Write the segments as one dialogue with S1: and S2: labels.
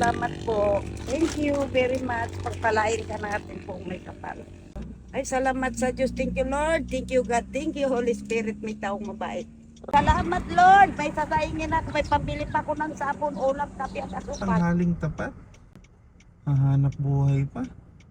S1: salamat po. Thank you very much. Pagpalain ka natin po may kapal. Ay, salamat sa Diyos. Thank you, Lord. Thank you, God. Thank you, Holy Spirit. May taong mabait. Salamat, Lord. May sasaingin ako. May pambili pa ko ng sabon, ulam, kape at asukal.
S2: Tanghaling tapat. Hahanap buhay pa.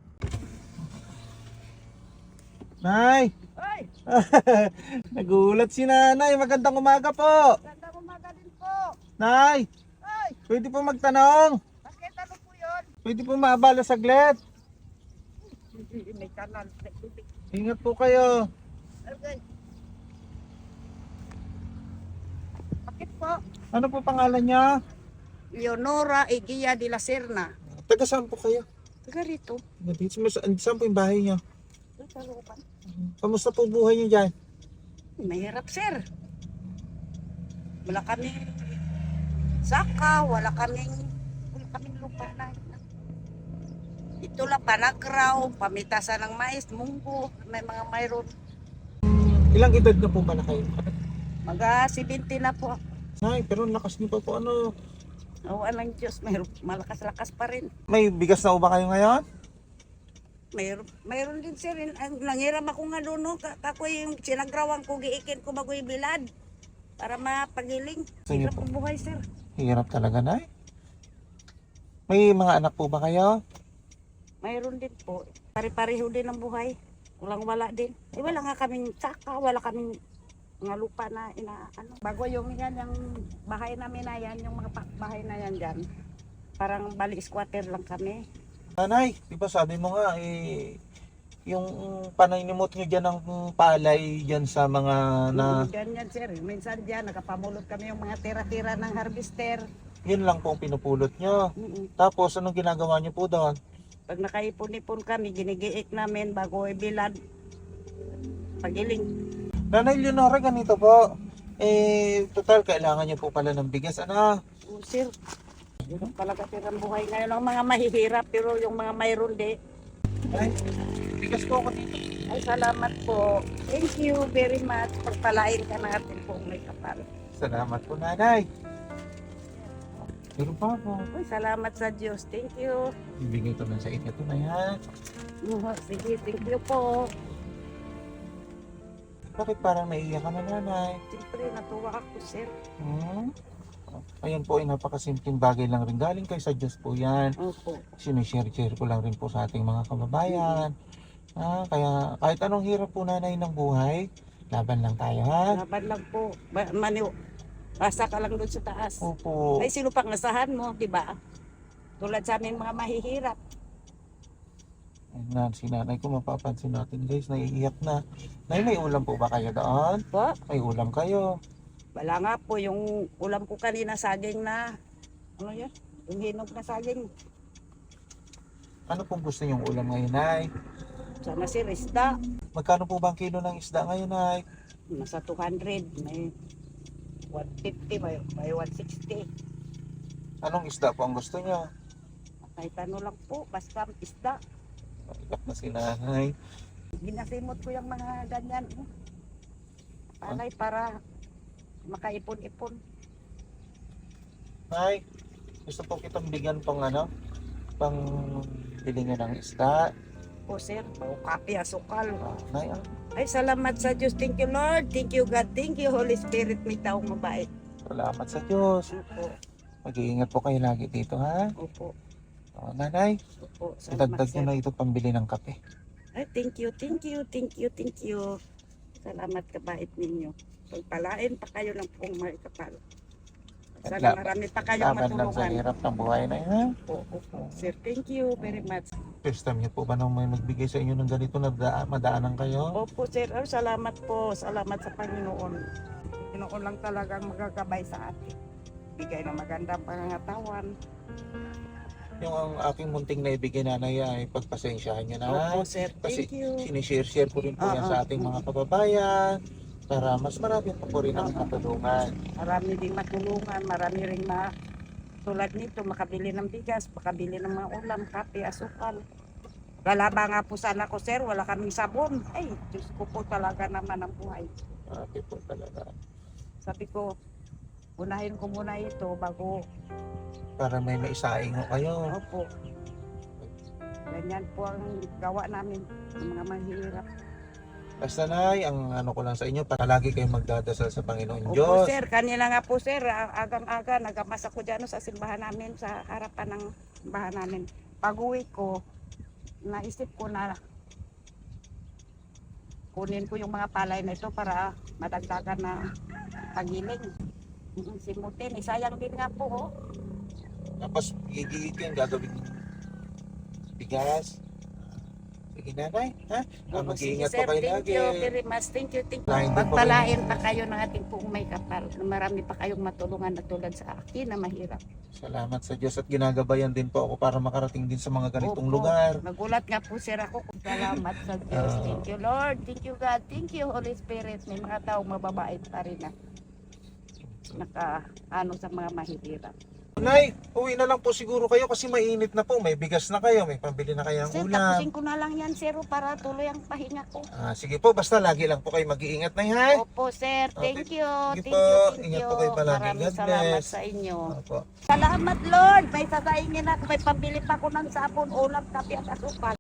S2: Nay!
S1: Ay,
S2: Nagulat si nanay. Magandang umaga po.
S1: ganda umaga din po.
S2: Nay!
S1: Ay,
S2: Pwede po magtanong.
S1: bakit ano po yun?
S2: Pwede po maabala saglit.
S1: May kanal. May tubig.
S2: Ingat po kayo.
S1: Okay. Bakit po?
S2: Ano po pangalan niya?
S1: Leonora Eguia de la Serna.
S2: Taga saan po kayo?
S1: Taga rito.
S2: Dito, saan po yung bahay niyo?
S1: Sa looban.
S2: Kamusta po buhay niyo dyan?
S1: Mahirap, sir. Wala kami saka, wala kaming lupa na. Ito lang, panagraw, pamitasan ng mais, munggo, may mga mayroon.
S2: Ilang edad na po ba na kayo?
S1: Mga 70 na po.
S2: Nay, pero lakas niyo pa po ano.
S1: Awan ng Diyos, malakas-lakas pa rin.
S2: May bigas na ba kayo ngayon?
S1: Mayroon din, sir. Nangiram ako nga doon, no? Kako yung sinagrawang ko, giikin ko bago yung bilad. Para mapagiling.
S2: Sige
S1: Hirap
S2: po.
S1: ang buhay, sir.
S2: Hirap talaga, Nay. May mga anak po ba kayo?
S1: Mayroon din po. Pare-pareho din ang buhay. Kulang-wala din. Eh, wala nga kaming saka, wala kaming mga lupa na inaano. Bago yung yan, yung bahay namin na yan, yung mga bahay na yan dyan. Parang bali squatter lang kami.
S2: Nanay, di ba sabi mo nga, yung paninimot nyo dyan ng palay dyan sa mga na...
S1: Ganyan, sir. Minsan dyan, nakapamulot kami yung mga tira-tira ng harvester.
S2: Yun lang po ang pinupulot nyo.
S1: Mm-mm.
S2: Tapos, anong ginagawa nyo po doon?
S1: Pag nakaipon-ipon kami, ginigiik namin bago ibilad. Pagiling.
S2: Nanay Leonora, ganito po. Total, kailangan nyo po pala ng bigas. Ano?
S1: Oh, sir. Hirap talaga sir ang buhay ngayon. Ang mga mahihirap, pero yung mga mayroon di.
S2: Ay, bigas po ako dito.
S1: Ay, salamat po. Thank you very much. Pagpalain ka natin po may kapal.
S2: Salamat po, nanay. Meron pa po.
S1: Ay, salamat sa Diyos. Thank you.
S2: Ibigay ko lang sa inyo ito na yan.
S1: Sige, thank you po.
S2: Bakit parang naiiyak ka na, nanay?
S1: Siyempre, natuwa ako, sir.
S2: Ayan po ay napakasimpleng bagay lang rin. Galing kay sa Diyos po yan.
S1: Opo.
S2: Sinishare-share ko lang rin po sa ating mga kababayan. Kaya kahit anong hirap po nanay ng buhay, laban lang tayo ha.
S1: Laban lang po. Basta ka lang doon sa taas.
S2: Opo.
S1: Ay, sino pang asahan mo, di ba? Tulad sa amin mga mahihirap.
S2: Ayan, si nanay ko mapapansin natin guys, naiiyak na. Nay, may ulam po ba kayo doon?
S1: Po?
S2: May ulam kayo.
S1: Wala nga po yung ulam ko kanina saging na, ano yun? Yung hinog na saging.
S2: Ano pong gusto niyong ulam ngayon, nay?
S1: Sana si isda.
S2: Magkano po ba ang kilo ng isda ngayon, nay?
S1: Nasa 200. May 150, may 160.
S2: Anong isda po ang gusto niyo?
S1: Kahit ano lang po, basta isda.
S2: Iyak na si nanay.
S1: Ginasimot ko yung mga ganyan. Palay para makaipon-ipon.
S2: Nay, gusto po kitang bigyan pang ano? Pang bili niyo ng isda.
S1: O sir, o kape, asukal.
S2: Nay,
S1: Ay, salamat sa Diyos. Thank you, Lord. Thank you, God. Thank you, Holy Spirit. May taong mabait.
S2: salamat sa Diyos.
S1: Opo.
S2: Mag-iingat po kayo lagi dito, ha?
S1: Opo.
S2: Nanay,
S1: Opo. Salamat,
S2: idagdag nyo
S1: sir.
S2: na ito pambili ng kape.
S1: Ay, thank you, thank you, thank you, thank you. Salamat kabait ninyo. Pagpalain pa kayo ng pong may kapal. Sana marami pa kayong
S2: Laban lang sa
S1: matulungan.
S2: hirap ng buhay na yan.
S1: Opo. Sir, thank you very much.
S2: First time niyo po ba nung may magbigay sa inyo ng ganito na madaanan kayo?
S1: Opo, sir. Oh, salamat po. Salamat sa Panginoon. Panginoon lang talagang magagabay sa atin. Bigay ng magandang pangangatawan.
S2: Yung ang aking munting naibigay nanay ay pagpasensyahan niyo na.
S1: Opo, sir.
S2: Kasi
S1: Thank you.
S2: sinishare-share ko rin po yan sa ating mga kababayan para mas marami pa po rin ang matulungan.
S1: Marami ding matulungan. Marami rin tulad nito, makabili ng bigas, makabili ng mga ulam, kape, asukal. Lalaba nga po sana ko, sir. Wala kaming sabon. Ay, Diyos ko po talaga naman ang buhay.
S2: Marami po talaga.
S1: Sabi ko, unahin ko muna ito bago.
S2: Para may maisaing ho kayo.
S1: Opo. Ganyan po ang gawa namin ng mga mahirap.
S2: Basta Nay, ang ano ko lang sa inyo, palagi kayong magdadasal sa Panginoon
S1: Opo
S2: Diyos.
S1: sir, kanina nga po sir, agang-aga nagamas ako dyan sa simbahan namin, sa harapan ng simbahan namin. Pag-uwi ko, naisip ko na kunin ko yung mga palay na ito para madagdagan na pagiling. Simutin, sayang din nga po. Oh.
S2: Tapos gigigit yung gagawin bigas. Sige Nanay, ha? Mag-iingat po kayo
S1: Thank
S2: lagi.
S1: you very much. Thank you.
S2: Lain din po
S1: Pagpalain pa kayo ng ating pong may kapal. Marami pa kayong matulungan na tulad sa akin na mahirap.
S2: Salamat sa Diyos at ginagabayan din po ako para makarating din sa mga ganitong
S1: Opo.
S2: lugar.
S1: Nagulat nga po sir ako. Salamat sa Diyos. Thank you Lord. Thank you God. Thank you Holy Spirit. May mga taong mababait pa rin na sa mga mahirap.
S2: Nay, uwi na lang po siguro kayo kasi mainit na po. May bigas na kayo, may pambili na kayo ng
S1: Sir,
S2: ulam.
S1: tapusin ko na lang yan sir para tuloy ang pahinga ko.
S2: Sige po, basta lagi lang po kayo mag-iingat na ha.
S1: Opo sir. Thank you.
S2: Sige
S1: Thank
S2: po.
S1: you. Thank
S2: Ingat
S1: you.
S2: po kayo palagi.
S1: Maraming
S2: God
S1: salamat
S2: bless.
S1: sa inyo.
S2: Opo.
S1: Salamat Lord. May sasaingin ako. May pambili pa ko ng sabon, ulam, kape at asukal.